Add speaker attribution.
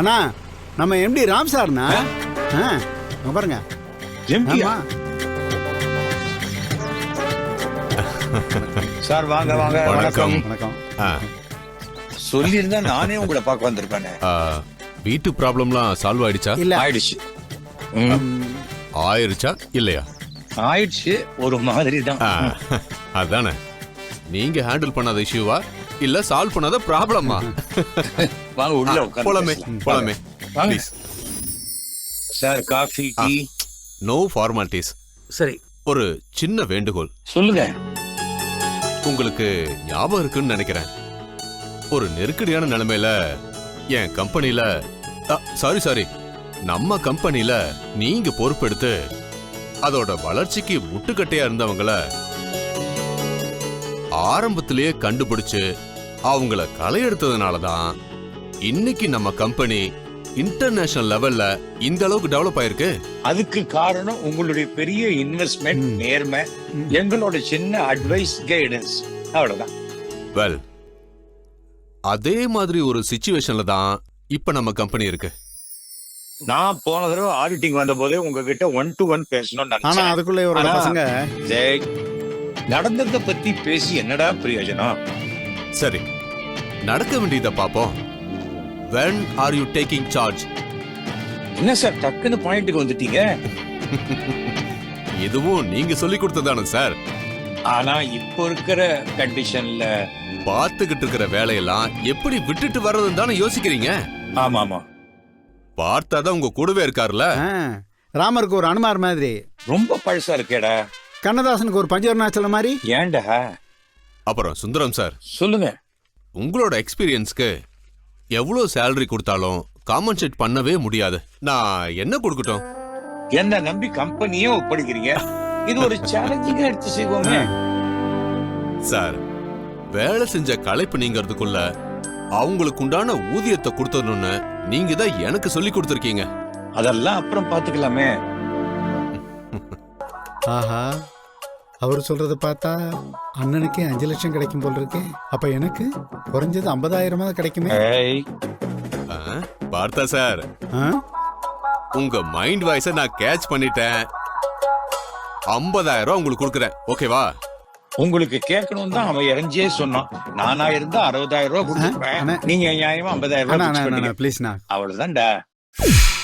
Speaker 1: அண்ணா நம்ம எம்டி ராம் சார்ண்ணா. பாருங்க.
Speaker 2: சார் வாங்க வாங்க.
Speaker 3: வணக்கம்.
Speaker 1: வணக்கம்.
Speaker 2: சொல்லியிருந்தா நானே உங்களை பார்க்க வந்திருப்பேனே.
Speaker 3: வீட்டு ப்ராப்ளம்லாம் சால்வ் ஆயிடுச்சா?
Speaker 1: இல்ல
Speaker 2: ஆயிடுச்சு.
Speaker 3: ஆயிருச்சா இல்லையா?
Speaker 2: ஆயிடுச்சு ஒரு மாதிரி தான்.
Speaker 3: அதானே, நீங்க ஹேண்டில் பண்ணாத இஷ்யூவா இல்ல சால்வ் பண்ணாத ப்ராப்ளமா?
Speaker 2: வாங்க உள்ள உட்கார்ந்து
Speaker 3: போலாமே
Speaker 2: பேசலாம்.
Speaker 3: போலாமே.
Speaker 2: வாங்க.
Speaker 3: Please.
Speaker 2: Sir coffee tea.
Speaker 3: No formalities.
Speaker 2: சரி
Speaker 3: ஒரு சின்ன வேண்டுகோள்.
Speaker 2: சொல்லுங்க.
Speaker 3: உங்களுக்கு ஞாபகம் இருக்குன்னு நினைக்கிறேன், ஒரு நெருக்கடியான நிலைமையில என் கம்பெனில சாரி நம்ம கம்பெனில நீங்க பொறுப்பெடுத்து அதோட வளர்ச்சிக்கு முட்டுக்கட்டையா இருந்தவங்கள ஆரம்பத்திலேயே கண்டுபிடிச்சு அவங்கள களை எடுத்ததுனாலதான் இன்னைக்கு நம்ம கம்பெனி இன்டர்நேஷனல் லெவல்ல இந்த அளவுக்கு டெவலப் ஆயிருக்கு.
Speaker 2: அதுக்கு காரணம் உங்களுடைய பெரிய இன்வெஸ்ட்மெண்ட், நேர்மை, எங்களோட சின்ன அட்வைஸ், கைடன்ஸ், அவ்வளவுதான்.
Speaker 3: வெல், அதே மாதிரி ஒரு சிச்சுவேஷன்ல தான் இப்ப நம்ம கம்பெனி இருக்கு.
Speaker 2: நான் போன தடவை ஆடிட்டிங் வந்த போதே உங்ககிட்ட 1 to 1 பேசணும்னு
Speaker 1: ஆனா அதுக்குள்ள ஒரு பசங்க
Speaker 2: நடந்ததை பத்தி பேசி என்னடா பிரயோஜனம்?
Speaker 3: சரி, நடக்க வேண்டியதை பாப்போம். When are you taking charge?
Speaker 2: என்ன சார் டக்குன்னு பாயிண்ட்டுக்கு வந்துட்டீங்க?
Speaker 3: இதுவும் நீங்க சொல்லி கொடுத்ததானே சார்?
Speaker 2: ஆனா இப்போ இருக்கிற கண்டிஷன்ல
Speaker 3: பார்த்துக்கிட்டு இருக்கிற வேலையெல்லாம் எப்படி விட்டுட்டு வர்றதுன்னு தானே யோசிக்கிறீங்க.
Speaker 2: ஆமா ஆமா,
Speaker 3: பார்த்தாதான் உங்க கூடவே இருக்காருல்ல.
Speaker 1: ராமருக்கு ஒரு அனுமார் மாதிரி,
Speaker 2: ரொம்ப பழசா இருக்கேடா.
Speaker 1: கண்ணதாசனுக்கு ஒரு பஞ்சவர்ணாச்சல மாதிரி.
Speaker 2: ஏன்டா?
Speaker 3: அப்புறம் சுந்தரம் சார்,
Speaker 2: சொல்லுங்க.
Speaker 3: உங்களோட எக்ஸ்பீரியன்ஸ்க்கு எவ்வளவு சேலரி கொடுத்தாலும் காம்பன்சேட் பண்ணவே முடியாது. நான் என்ன கொடுக்கட்டும்?
Speaker 2: என்ன நம்பி கம்பெனியே ஒப்படைக்கிறீங்க. இது ஒரு சேலஞ்சிங்கா எடுத்து செய்வோமே.
Speaker 3: சார், வேலை செஞ்ச களைப்பு நீங்கிறதுக்குள்ள அவங்களுக்கு உண்டான ஊதியத்தை கொடுத்தணும்னு நீங்க தான் எனக்கு சொல்லி கொடுத்துருக்கீங்க.
Speaker 2: அதெல்லாம் அப்புறம் பாத்துக்கலாமே.
Speaker 1: ஆஹா, அவர் சொல்றத பார்த்தா அண்ணனுக்கே 5 லட்சம் கிடைக்கும் போல இருக்கு. அப்ப எனக்கு குறைஞ்சது 50,000 கிடைக்குமே.
Speaker 3: பார்த்தா சார், உங்க மைண்ட் வாய்ஸ நான் கேட்ச் பண்ணிட்டேன். 50,000 உங்களுக்கு கொடுக்குறேன், ஓகேவா?
Speaker 2: உங்களுக்கு கேட்கணும் தான் அவன் இறஞ்சியே சொன்னான். நானா இருந்தா 60,000 கொடுத்துருப்பேன். நீங்க நியாயமா 50,000
Speaker 1: ப்ளீஸ்ண்ணா.
Speaker 2: அவ்வளவுதான்டா.